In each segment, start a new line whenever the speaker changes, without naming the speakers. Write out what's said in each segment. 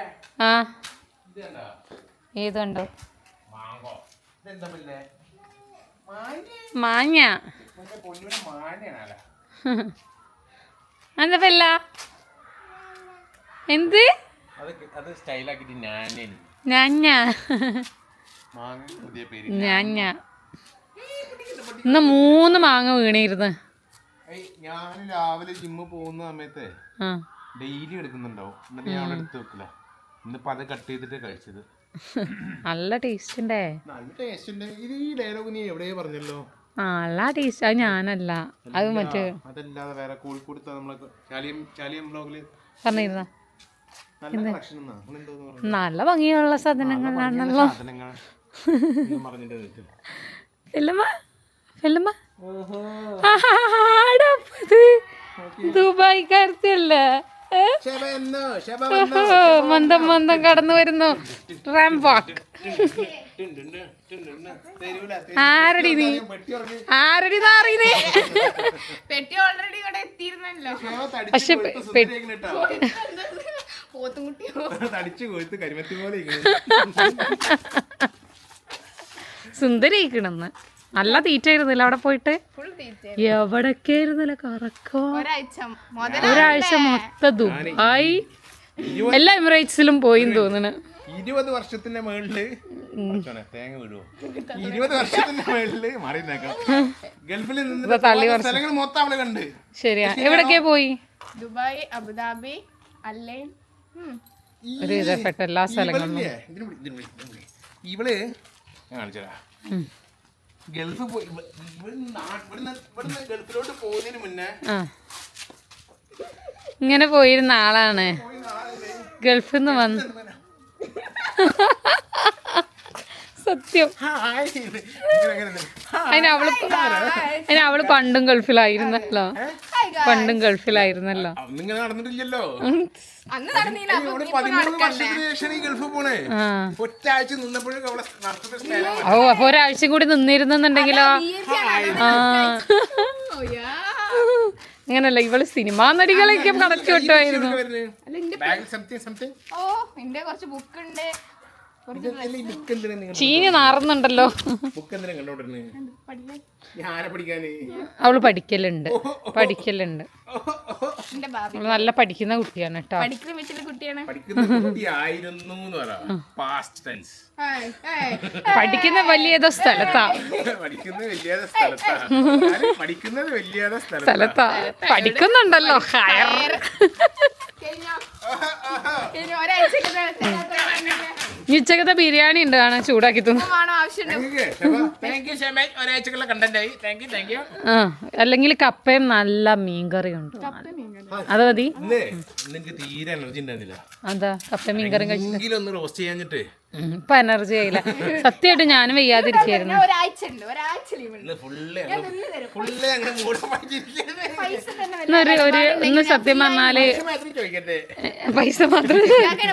ആ ഏതുണ്ടോ മാങ്ങ എന്താ പല്ല എന്ത് ഞാഞ്ഞ ഇന്ന് 3 മാങ്ങ വീണിരുന്നു.
ഞാൻ രാവിലെ ജിമ്മ് പോകുന്ന സമയത്ത് ഡെയിലി എടുക്കുന്നുണ്ടാവും. എന്നിട്ട് ഞാൻ അവിടെ എടുത്ത് വെക്കില്ല. ഇന്നിപ്പോ അത് കട്ട് ചെയ്തിട്ട് കഴിച്ചത്.
നല്ല ടേസ്റ്റ് ഉണ്ടേ.
നല്ല ടേസ്റ്റ് ഉണ്ട്. ഇത് ഈ ഡയലോഗ് നീ എവിടെയോ പറഞ്ഞല്ലോ.
നല്ല ടേസ്റ്റ്. അത് ഞാനല്ല, അത് മറ്റേ
അതല്ലാതെ വേറെ കോഴിക്കോട് നമ്മളെ ചാലിയം ബ്ലോഗില്
പറഞ്ഞിരുന്ന
നല്ല
ഭംഗിയുള്ള സാധനങ്ങളാണല്ലോ. ദുബായിക്കാരത്തിയല്ലേ മന്ദം മന്ദം കടന്നു വരുന്നു. ആരടി നീ ആരടി നാറിയേ? പക്ഷെ സുന്ദരിക്കണെന്ന് നല്ല തീറ്റായിരുന്നില്ല അവിടെ പോയിട്ട്. എവിടൊക്കെ ആയിരുന്നില്ല കറക്കോ. ഒരാഴ്ച മൊത്തം ദുബായ് എല്ലാ എമിറേറ്റ്സിലും പോയി തോന്നുന്നു.
20 വർഷത്തിന്റെ മേളില് തേങ്ങ വീഴുവോ? 20 വർഷത്തിന്റെ മേളില് മാറി ഗൾഫിൽ നിന്ന് സ്ഥലങ്ങൾ മൊത്തം അവള് കണ്ട്.
ശരിയാ. എവിടൊക്കെയാ പോയി?
ദുബായ്, അബുദാബി, അല്ലൈൻ,
ഒരു വിധപ്പെട്ട എല്ലാ സ്ഥലങ്ങളും.
ഇവള് കാണിച്ചതാ ഗൾഫ് പോയി. ഗൾഫിലോട്ട് പോകുന്നതിന് മുന്നേ
ഇങ്ങനെ പോയിരുന്ന ആളാണ്. ഗൾഫിൽ നിന്ന് വന്ന് സത്യം. അതിനവള് പണ്ടും ഗൾഫിലായിരുന്നല്ലോ. പണ്ടും ഗൾഫിലായിരുന്നല്ലോ.
നടന്നിട്ടില്ലല്ലോ.
ഓ അപ്പൊ ഒരാഴ്ച കൂടി നിന്നിരുന്നെന്നുണ്ടെങ്കിലോ. അങ്ങനല്ല, ഇവള് സിനിമാ നടികളൊക്കെ കണക്ക് വിട്ടുമായിരുന്നു. ചീഞ്ഞ് നാറുന്നുണ്ടല്ലോ. അവള് പഠിക്കലുണ്ട്. നല്ല പഠിക്കുന്ന കുട്ടിയാണ് കേട്ടോ. പഠിക്കുന്ന വലിയ സ്ഥലത്താ. പഠിക്കുന്നുണ്ടല്ലോ. ഉച്ചക്കത്തെ ബിരിയാണി ഉണ്ട്, കാണാൻ ചൂടാക്കി തിന്നു. അല്ലെങ്കിൽ കപ്പയും നല്ല മീൻകറിയും ഉണ്ട്. അത് മതി.
തീരെ എനർജി ഉണ്ടായിരുന്നില്ല.
അതാ കപ്പയും മീൻകറിയും കഴിച്ചിട്ട്
റോസ്റ്റ് ചെയ്യാഞ്ഞിട്ട്
ഇപ്പൊ എനർജി ആയില്ല. സത്യമായിട്ട് ഞാനും വയ്യാതിരിക്കായിരുന്നു. ഒന്ന് സത്യം പറഞ്ഞാല് പൈസ മാത്രം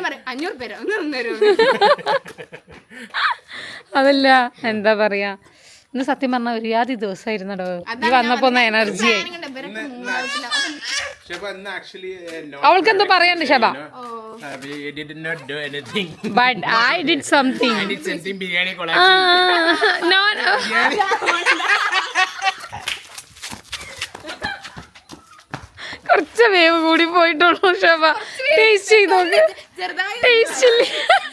അതല്ല, എന്താ പറയാ, ഇന്ന് സത്യം പറഞ്ഞ ഒരു യാതി ദിവസമായിരുന്നടോ. ഈ വന്നപ്പോ ഒന്ന് എനർജി ആയി. അവൾക്ക് എന്തോ പറയാണ്ട് Shaba. But I did something.
Biryani
no. കുറച്ച് വേവ് കൂടി പോയിട്ടുള്ളൂ ഷബ. ടേസ്റ്റ് ചെയ്ത് നോക്ക്. ടേസ്റ്റ് ഇല്ല.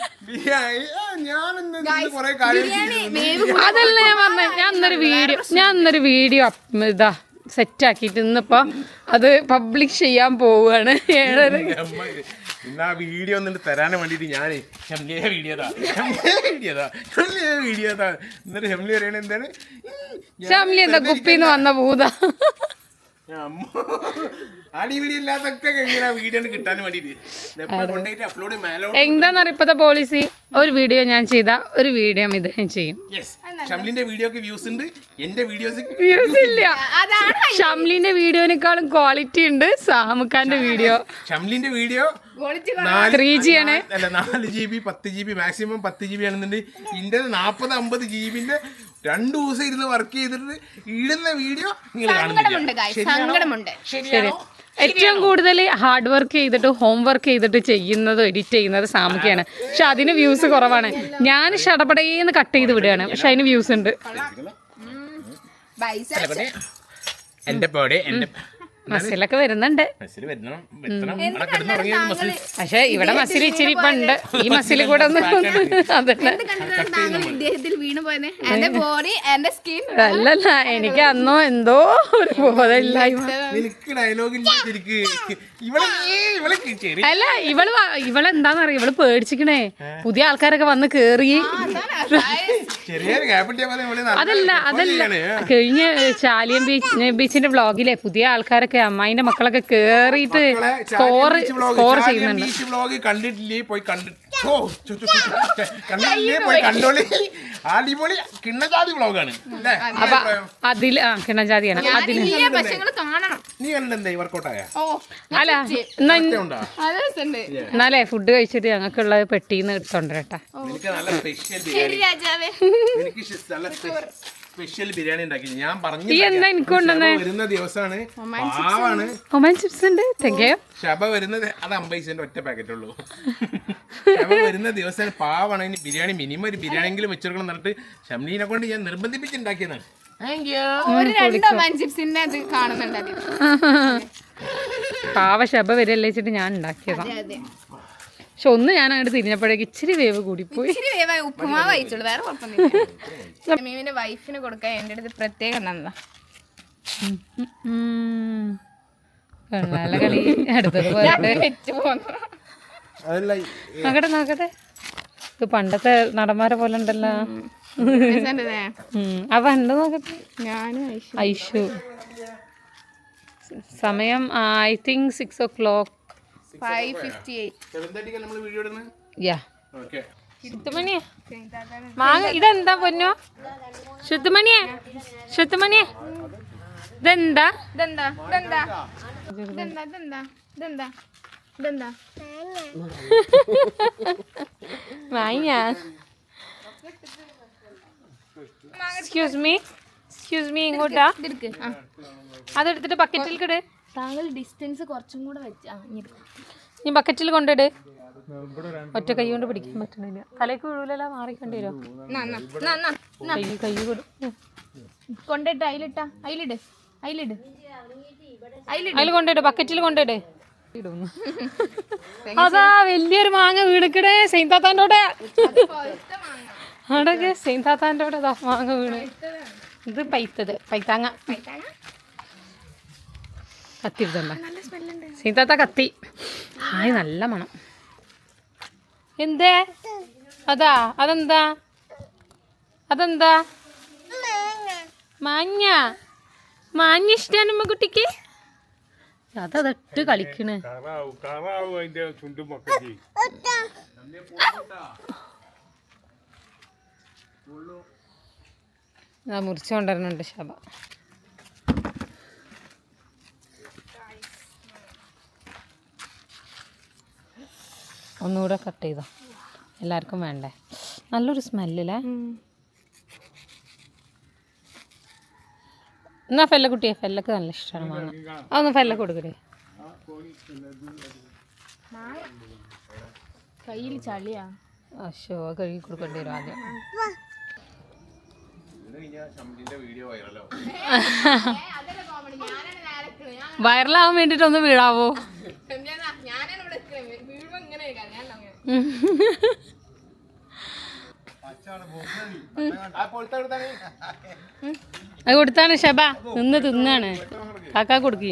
അതല്ല ഞാൻ പറഞ്ഞ, ഞാൻ ഇന്നൊരു വീഡിയോ ഇതാ സെറ്റ് ആക്കിയിട്ട് ഇന്നിപ്പോ അത് പബ്ലിഷ് ചെയ്യാൻ പോവുകയാണ്. 7:30
ഇന്ന് ആ വീഡിയോ ഒന്നിട്ട് തരാനും വേണ്ടിട്ട് ഞാൻ വീഡിയോ എന്നിട്ട് ഹെംലി പറയണ എന്താണ്,
ഷംലി എന്താ കുപ്പിന്ന് വന്ന ഭൂത.
അടിപിടിയില്ലാത്തൊക്കെ വീഡിയോ കിട്ടാൻ വേണ്ടിട്ട് അപ്ലോഡ്
എന്താന്നറിയ ഇപ്പത്തെ പോളിസി. ഒരു വീഡിയോ ഞാൻ ചെയ്ത ഒരു വീഡിയോ ഇദ്ദേഹം ചെയ്യും.
ഷംലിന്റെ വീഡിയോക്ക് വ്യൂസ് ഉണ്ട്, എന്റെ
വ്യൂസ് ഇല്ല. ഷംലിന്റെ വീഡിയോനേക്കാളും ക്വാളിറ്റി ഉണ്ട് സാമുഖാന്റെ വീഡിയോ.
ഷംലിന്റെ വീഡിയോ
3G ആണ്.
അല്ല 4 GB 10 GB മാക്സിമം 10 GB ആണെന്നുണ്ടെങ്കിൽ ഇന്റെ 40-50 GB 2 ദിവസം ഇരുന്ന് വർക്ക് ചെയ്തിട്ട് ഇടുന്ന വീഡിയോ നിങ്ങൾ കാണുന്നില്ല.
സങ്കടമുണ്ട്.
ശരിയാണോ?
ഏറ്റവും കൂടുതൽ ഹാർഡ് വർക്ക് ചെയ്തിട്ട് ഹോം വർക്ക് ചെയ്തിട്ട് ചെയ്യുന്നത് എഡിറ്റ് ചെയ്യുന്നത് സാമുക്കയാണ്. പക്ഷെ അതിന് വ്യൂസ് കുറവാണ്. ഞാൻ ഷടപടേന്ന് കട്ട് ചെയ്ത് വിടുകയാണ്, പക്ഷെ അതിന് വ്യൂസ് ഉണ്ട്.
എന്റെ പോടെ എന്റെ
മസിലൊക്കെ വരുന്നുണ്ട്. പക്ഷെ ഇവിടെ മസിൽ ഇച്ചിരി ഇപ്പൊ ഉണ്ട്. ഈ മസിൽ കൂടെ ഒന്ന് അതല്ല അല്ലല്ല, എനിക്ക് അന്നോ എന്തോ ഒരു ബോധമില്ലായ്മ. അല്ല ഇവളെന്താന്നറിയ, ഇവള് പേടിച്ചിക്കണേ. പുതിയ ആൾക്കാരൊക്കെ വന്ന് കേറി. അതല്ല കഴിഞ്ഞ ചാലിയം ബീച്ചിന്റെ വ്ളോഗിലെ പുതിയ ആൾക്കാരൊക്കെ അമ്മായിന്റെ മക്കളൊക്കെ കേറിയിട്ട് സ്കോർ ചെയ്യുന്നുണ്ട്.
കണ്ടിട്ടില്ലേ? പോയി കണ്ടോളി. അടിപൊളി കിണ്ണജാതി വ്ളോഗാണ്.
അപ്പൊ അതില് കിണ്ണജാതിയാണ്. അതില്
നീ കണ്ടെന്തേ വർക്കൗട്ടായ?
അല്ല എന്നാലേ ഫുഡ് കഴിച്ചിട്ട് ഞങ്ങൾക്കുള്ളത് പെട്ടിന്ന് എടുത്തോണ്ടരട്ടാ.
എനിക്ക് നല്ല സ്പെഷ്യൽ ബിരിയാണി ഉണ്ടാക്കി. ഞാൻ പറഞ്ഞു വരുന്ന ദിവസമാണ്. പാവാണ്.
ഒമാൻ ചിപ്സ് ഉണ്ട്.
ശബ വരുന്നത് അത് 50 ഒറ്റ പാക്കറ്റ് ഉള്ളൂ. ശബ വരുന്ന ദിവസം പാവാണ്. ഇനി ബിരിയാണി മിനിമം ഒരു ബിരിയാണിയെങ്കിലും വെച്ചെടുക്കണം എന്നിട്ട് ഷംലീനെ കൊണ്ട് ഞാൻ നിർബന്ധിപ്പിച്ചുണ്ടാക്കിയതാണ്.
പാവ ശബ വരല്ലേ വെച്ചിട്ട് ഞാൻ ഉണ്ടാക്കിയതാണ്. പക്ഷെ ഒന്ന് ഞാൻ അങ്ങോട്ട് തിരിഞ്ഞപ്പോഴേക്ക് ഇച്ചിരി വേവ് കൂടിപ്പോയി.
ഉപ്പുമാവ് കഴിച്ചോളൂ, വേറെ കുഴപ്പമൊന്നുമില്ല. മീമിന്റെ വൈഫിന് കൊടുക്കാൻ എന്റെ അടുത്ത് പ്രത്യേകം നന്നാ
നല്ല കളി. അടുത്തത് നോക്കട്ടെ. ഇത് പണ്ടത്തെ നടന്മാരെ പോലെ ഉണ്ടല്ലോ. അവ ഉണ്ട് നോക്കട്ടെ. ഐഷു സമയം ഐ തിങ്ക് 6 o'clock.
5:58.
ശുദ്ധമണിയെ മാങ്ങ ഇതെന്താ പൊന്നോ? ശുദ്ധമണിയെ ഇതെന്താ? മാങ്ങ. എക്സ്ക്യൂസ് മീ ഇങ്ങോട്ടാ. അതെടുത്തിട്ട് ബക്കറ്റിൽ കിട്.
താങ്കൾ ഡിസ്റ്റൻസ് കുറച്ചും കൂടെ വെച്ച്
നീ ബക്കറ്റിൽ കൊണ്ടിട്. ഒറ്റ കൈ കൊണ്ട് പിടിക്കാൻ പറ്റണില്ല. തലേക്ക് വീഴൂലല്ലോ, മാറിക്കേണ്ടി വരുമോ? കൈ
കൊണ്ടിട്ട്
അതിൽ കൊണ്ടിട്, ബക്കറ്റിൽ കൊണ്ടിട്. അതാ വലിയൊരു മാങ്ങ വീണിക്കടേ. സെയിൻതാത്താൻ്റെ അടക്കെ സെയിൻതാത്താൻ്റെ മാങ്ങ വീണ്. ഇത് പൈത്താങ്ങ കത്തിരുതണ്ട. സീതാത്ത കത്തി. ഹായ് നല്ല മണം. എന്തേ അതെന്താ മാഞ്ഞ ഇഷ്ടാണ് നമ്മ കുട്ടിക്ക്. അതട്ട് കളിക്കണ്. മുറിച്ചുകൊണ്ടിരുന്നുണ്ട് ശബ. ഒന്നുകൂടെ കട്ട് ചെയ്തോ, എല്ലാവർക്കും വേണ്ടേ? നല്ലൊരു സ്മെല്ലേ. എന്നാ ഫെല്ല കുട്ടിയെ, ഫെല്ലക്ക് നല്ല ഇഷ്ടമാണ് മാങ്ങ. അതൊന്ന് ഫെല്ല കൊടുക്കട്ടെ.
കയ്യിൽ ചളിയാ.
അശോ കഴുകി കൊടുക്കേണ്ടി വരും ആദ്യം. വൈറലാവാൻ വേണ്ടിട്ടൊന്ന് വീഴാവോ? അത് കൊടുത്താണ് ഷബ. നിന്ന് തിന്നാണ്. കാക്കാ കൊടുക്കി.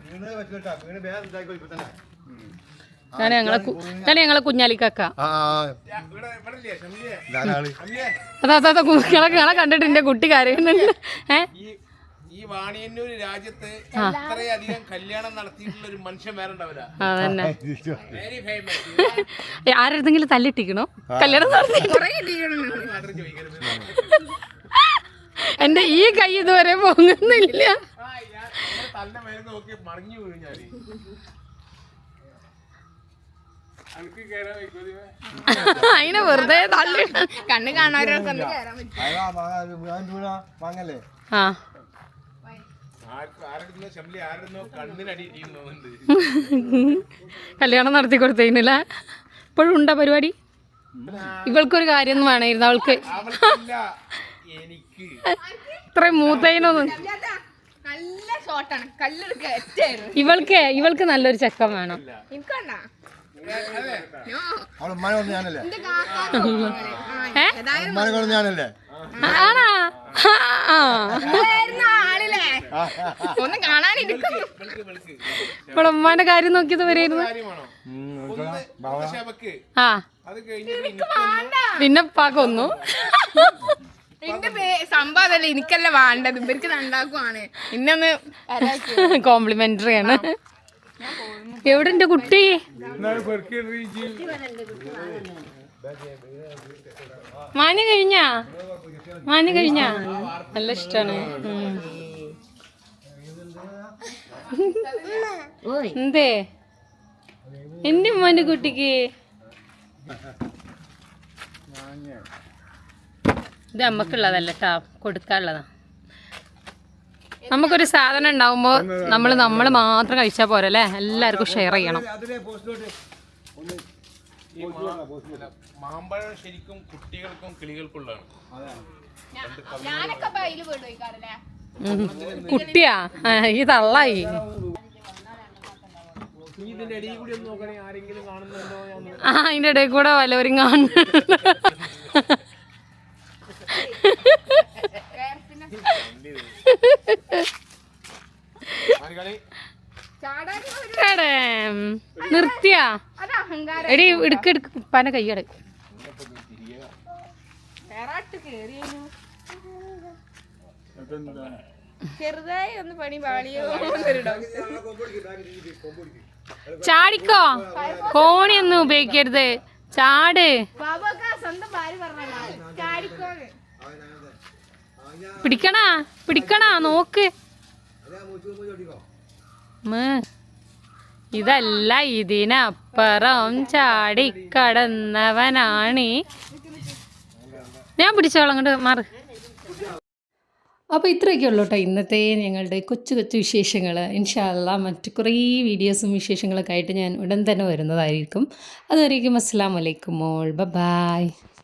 ഞങ്ങളെ കുഞ്ഞാലിക്കാക്ക. അതാ കുഞ്ഞാളെ കണ്ടിട്ട് എന്റെ കുട്ടി കരയുന്നുണ്ട്.
ഈ വാണിയന്നൂർ രാജ്യത്ത് ഇത്രയധികം കല്യാണം നടത്തിയിട്ടുള്ള ഒരു മനുഷ്യൻ വേറെ ഉണ്ടാവില്ല.
അതന്നെ. ആരെടുത്തെങ്കിലും തല്ലിട്ടിക്കണോ? കല്യാണം നടത്തി എന്റെ ഈ കൈ ഇതുവരെ പൊങ്ങുന്നില്ല. അതിനെ വെറുതെ തള്ളി
കണ്ണ് കാണാനൊക്കെ
ആ
ആരുടെ ഷംലി ആരുടെ കണ്ണിനടി ഇരിക്കുന്നുണ്ട്.
കല്യാണം നടത്തി കൊടുത്തതിനില്ല ഇപ്പോഴും ഉണ്ടാ പരിപാടി. ഇവൾക്കൊരു കാര്യം വേണമായിരുന്നു അവൾക്ക്.
എനിക്ക്
ഇത്രയും മൂത്തതിനൊന്നും.
നല്ല ഷോട്ടാണ്, കല്ലെടുക്ക.
ഇവൾക്ക് നല്ലൊരു ചെക്കൻ വേണം.
എനിക്കണ്ടാ
ഞാനല്ലേ
ആണാ?
ആളില്ലേ ഒന്ന് കാണാനിരിക്കും.
ഇപ്പോൾ ഉമ്മാന്റെ കാര്യം നോക്കിയത് വരെയായിരുന്നു. ആ പിന്നെ പാക്കൊന്നു.
എന്റെ സംഭവം അതല്ലേ, എനിക്കല്ല വേണ്ടത്, ഇവർക്ക് രണ്ടാക്കുമാണ്. ഇന്നൊന്ന്
കോംപ്ലിമെന്ററി ആണ്. എവിടെ എന്റെ കുട്ടി? മാഞ്ഞു കഴിഞ്ഞാ നല്ല ഇഷ്ടാണ്. എന്തേ എന്റെ ഉമ്മാന്റെ കുട്ടിക്ക്? ഇത് നമ്മക്കുള്ളതല്ല ട്ടാ, കൊടുക്കാനുള്ളതാ. നമുക്കൊരു സാധനം ഉണ്ടാവുമ്പോ നമ്മള് മാത്രം കഴിച്ചാൽ പോരല്ലേ, എല്ലാവർക്കും ഷെയർ ചെയ്യണം.
മാമ്പഴം ശരിക്കും കുട്ടികൾക്കും കിളികൾക്കുള്ളതാണ്.
ഞാനൊക്കെ അതിൽ പോയിക്കാറല്ലേ.
കുട്ടിയാ ഈ തള്ളായി. അതിന്റെ ഇടയിൽ കൂടെ വല്ലവരും കാണുന്നു. നിർത്തിയാ എടി ഇടുക്ക് പന കയ്യട.
ചെറുതായി ഒന്ന് പണി പാളിയോ.
ചാടിക്കോ, കോണിയൊന്നും ഉപയോഗിക്കരുത്, ചാട്. പിടിക്കണ നോക്ക്. ഇതല്ല, ഇതിനപ്പുറം ചാടിക്കടന്നവനാണ്. ഞാൻ പിടിച്ചോളാം, അങ്ങോട്ട് മാറ്. അപ്പോൾ ഇത്രയൊക്കെ ഉള്ളൂ കേട്ടോ ഇന്നത്തെ ഞങ്ങളുടെ കൊച്ചു കൊച്ചു വിശേഷങ്ങൾ. ഇൻഷാ അല്ലാഹ് മറ്റു കുറേ വീഡിയോസും വിശേഷങ്ങളൊക്കെ ആയിട്ട് ഞാൻ ഉടൻ തന്നെ വരുന്നതായിരിക്കും. അതുവരേക്കും അസ്സലാമു അലൈക്കും ഓൾ, ബൈ.